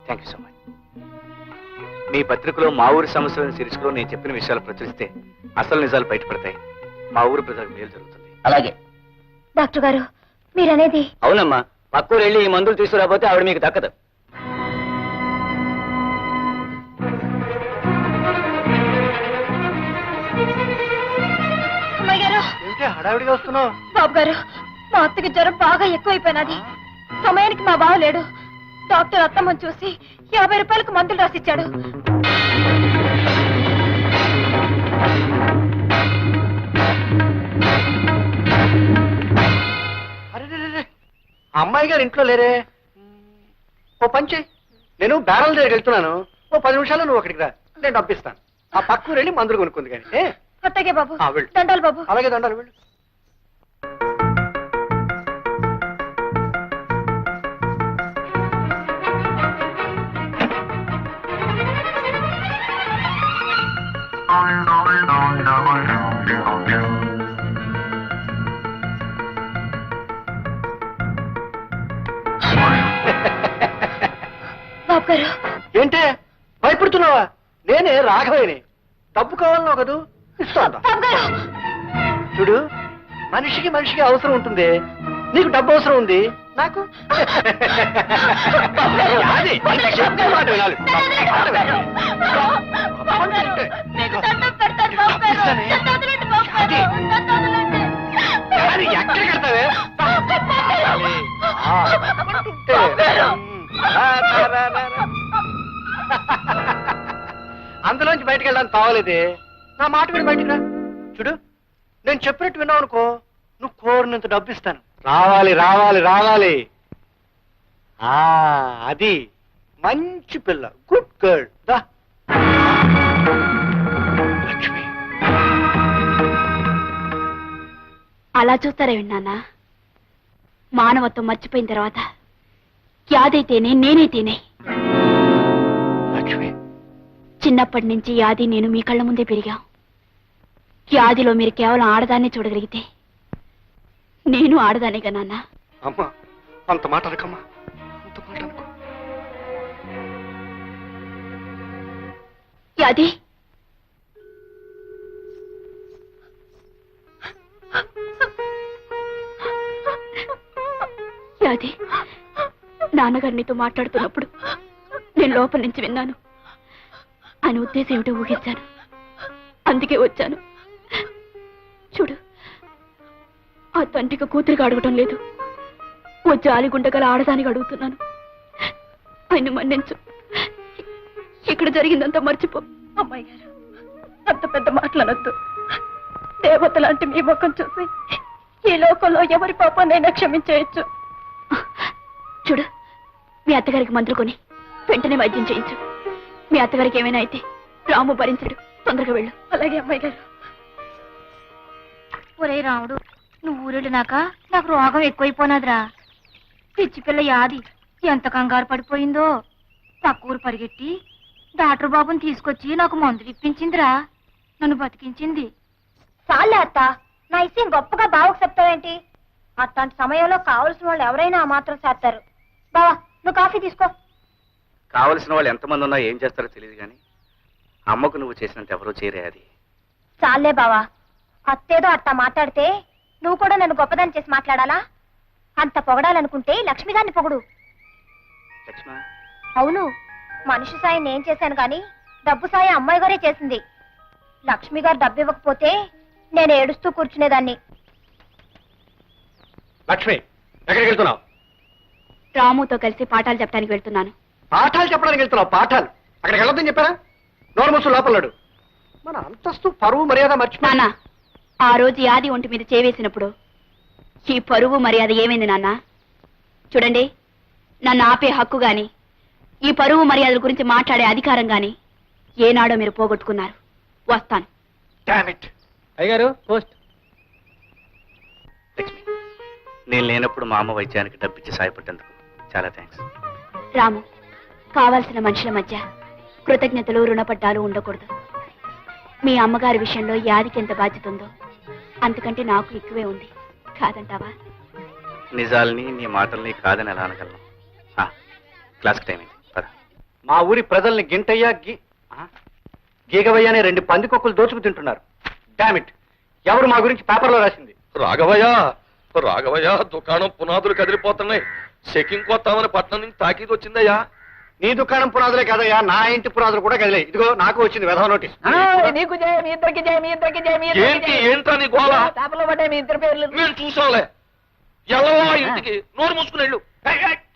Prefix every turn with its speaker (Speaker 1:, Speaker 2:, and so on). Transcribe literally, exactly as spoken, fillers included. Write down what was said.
Speaker 1: Thank you so much. మీ పత్రికలో మా ఊరి సమస్యలను శీర్షికలో నేను చెప్పిన విషయాలు ప్రచురిస్తే అసలు నిజాలు బయటపడతాయి. మా ఊరు ప్రజలకు మేలు జరుగుతుంది.
Speaker 2: అలాగే
Speaker 3: డాక్టర్ గారు మీరనేది.
Speaker 2: అవునమ్మా, పక్కూరు వెళ్ళి ఈ మందులు తీసుకురాబోతే ఆవిడ మీకు దక్కదు.
Speaker 3: అమ్మాయి గారు,
Speaker 4: హడావిడిగా వస్తున్నావు?
Speaker 3: బాబు గారు, మా అత్తకి జ్వరం బాగా ఎక్కువైపోయినది. సమయానికి మా బావ లేడు. డాక్టర్ అత్తమ్మని చూసి యాభై రూపాయలకు మందులు రాసిచ్చాడు.
Speaker 4: అరే, అమ్మాయి గారు ఇంట్లో లేరే. ఓ పంచే, నేను బేరాల దగ్గరికి వెళ్తున్నాను. ఓ పది నిమిషాలు నువ్వు అక్కడికి రా, నేను డబ్బిస్తాను. ఆ పక్కకు వెళ్ళి మందులు కొనుక్కుంది కానీ.
Speaker 3: అత్తగే బాబు. దండాలు బాబు.
Speaker 4: అలాగే దండాలు. వెళ్ళు.
Speaker 3: బాబు గారు,
Speaker 4: ఏంటే భయపడుతున్నావా? నేనే రాఘవేని. డబ్బు కావాలన్నావు కదూ, ఇస్తాను. చూడు, మనిషికి మనిషికి అవసరం ఉంటుంది. నీకు డబ్బు అవసరం ఉంది, నాకు ఎక్కడ కడతావే? అందులోంచి బయటకు వెళ్ళడానికి తావలేదే. నా మాట విని బయటికి రా. చూడు, నేను చెప్పినట్టు విన్నావు అనుకో, నువ్వు కోరినంత డబ్బు ఇస్తాను. రావాలి రావాలి రావాలి. ఆ అది మంచి పిల్ల, గుడ్ గర్ల్. దా లక్ష్మి.
Speaker 3: అలా చూస్తారే విన్నానా? మానవత్వం మర్చిపోయిన తర్వాత యాదైతేనే నేనైతేనే.
Speaker 4: లక్ష్మి,
Speaker 3: చిన్నప్పటి నుంచి యాది నేను మీ కళ్ళ ముందే పెరిగాం. యాదిలో మీరు కేవలం ఆడదాన్నే చూడగలిగితే నేను ఆడదానేగా నాన్న.
Speaker 4: అమ్మా, అంత మాట అనకమ్మా, అంత మాట అనుకో.
Speaker 3: యాది, యాది, నాన్నగారు నీతో మాట్లాడుతున్నప్పుడు నేను లోపల నుంచి విన్నాను. ఆయన ఉద్దేశం ఏమిటో ఊహించాను, అందుకే వచ్చాను. చూడు, ఆ తండ్రికి కూతురికి అడగటం లేదు, ఓ జాలిగుండగల ఆడదానికి అడుగుతున్నాను. ఆయన మన్నించు, ఇక్కడ జరిగిందంతా మర్చిపో. అమ్మాయి గారు, అంత పెద్ద మాటలనొద్దు. దేవత లాంటి మీ ముఖం చూసి ఈ లోకంలో ఎవరి పాపాన్నైనా క్షమించేయచ్చు. చూడు, మీ అత్తగారికి మందులు కొని వెంటనే వైద్యం చేయించు. మీ అత్తగారికి ఏమైనా అయితే రాము భరించడు. తొందరగా వెళ్ళు. అలాగే అమ్మాయి గారు.
Speaker 5: ఒరే రాముడు, నువ్వు ఊరెళ్ళినాక నాకు రోగం ఎక్కువైపోయినదిరా. పిచ్చి పిల్ల యాది ఎంత కంగారు పడిపోయిందో. పక్కూరు పరిగెట్టి డాక్టర్ బాబుని తీసుకొచ్చి నాకు మందులు ఇప్పించిందిరా. నన్ను బతికించింది.
Speaker 3: చాలే అత్త, నా ఇష్టం గొప్పగా బావకు చెప్తావేంటి? అట్లాంటి సమయంలో కావలసిన వాళ్ళు ఎవరైనా ఆ మాత్రం చేస్తారు. బావా, నువ్వు కాఫీ తీసుకో.
Speaker 1: కావలసిన వాళ్ళు ఎంతమంది ఉన్నా ఏం చేస్తారో తెలియదు కానీ అమ్మకు నువ్వు చేసినంత ఎవరూ చేయరే. అది
Speaker 3: చాలే బావా, అత్తేదో అట్టా మాట్లాడితే నువ్వు కూడా నన్ను గొప్పదాన్ని చేసి మాట్లాడాలా? అంత పొగడాలనుకుంటే లక్ష్మిగారిని పొగుడు.
Speaker 1: లక్ష్మ,
Speaker 3: అవును, మనిషి సాయం నేను చేశాను కానీ డబ్బు సాయం అమ్మాయి గారే చేసింది. లక్ష్మి గారు డబ్బు ఇవ్వకపోతే నేను ఏడుస్తూ కూర్చునేదాన్ని.
Speaker 4: లక్ష్మి, ఎక్కడికి వెళ్తున్నావు?
Speaker 3: రాముతో కలిసి పాఠాలు చెప్పడానికి వెళ్తున్నాను.
Speaker 4: పాఠాలు చెప్పడానికి వెళ్తున్నావు? పాఠాలు అక్కడికి వెళ్ళొద్దని చెప్పారా? నోరు మూసు లోపలడు. మన అంతస్తు పరువు మర్యాద మర్చిపోయి.
Speaker 3: నాన్న, ఆ రోజు యాది ఒంటి మీద చేవేసినప్పుడు ఈ పరువు మర్యాద ఏమైంది నాన్న? చూడండి, నన్ను ఆపే హక్కు గాని ఈ పరువు మర్యాదల గురించి మాట్లాడే అధికారం గాని ఏనాడో మీరు పోగొట్టుకున్నారు. వస్తాను.
Speaker 2: అయ్యగారు, పోస్ట్.
Speaker 1: లక్ష్మి, నేను లేనప్పుడు మా అమ్మ వైద్యానికి డబ్బిచ్చి సాయపడ్డందుకు చాలా థ్యాంక్స్.
Speaker 3: రాము, కావాల్సిన మనుషుల మధ్య కృతజ్ఞతలు రుణపడ్డాలు ఉండకూడదు. మీ అమ్మగారి విషయంలో యాదికి ఎంత బాధ్యత ఉందో అంతకంటే నాకు ఎక్కువే ఉంది. కాదంటావా?
Speaker 1: నిజాల్ని నీ మాటల్ని కాదని ఎలా అనగలను? క్లాస్కి టైం అయింది, పద.
Speaker 4: మా ఊరి ప్రజల్ని గింటయ్య గి ఆ? గీగవయ్య అనే రెండు పందికొక్కులు దోచుకు తింటున్నారు. డామిట్, ఎవరు మా గురించి పేపర్లో రాసింది?
Speaker 6: రాఘవయ్య రాఘవయ్య దుకాణం పునాదులు కదిలిపోతున్నాయి. చెకింగ్ కొత్తామని పట్నం నుంచి తాకీదు వచ్చిందయ్యా.
Speaker 4: నీ దుకాణం పునాదులే కదయ్యా, నా ఇంటి పునాదులు కూడా కదిలే. ఇదిగో నాకు వచ్చింది వెధవ నోటీస్.
Speaker 2: నీకు జయ మీ ఇద్దరికి జయ మీ ఇద్దరికి జయ మీ
Speaker 6: ఏంటి ఏంటా నీ గోళ?
Speaker 2: పేపర్లో పడ్డాయి మీ ఇద్దరు పేర్లు.
Speaker 6: మేము చూసాంలే. ఎల్లవా ఇంటికి నోరు మూసుకుని వెళ్ళు.
Speaker 4: ఏయ్, ఏయ్,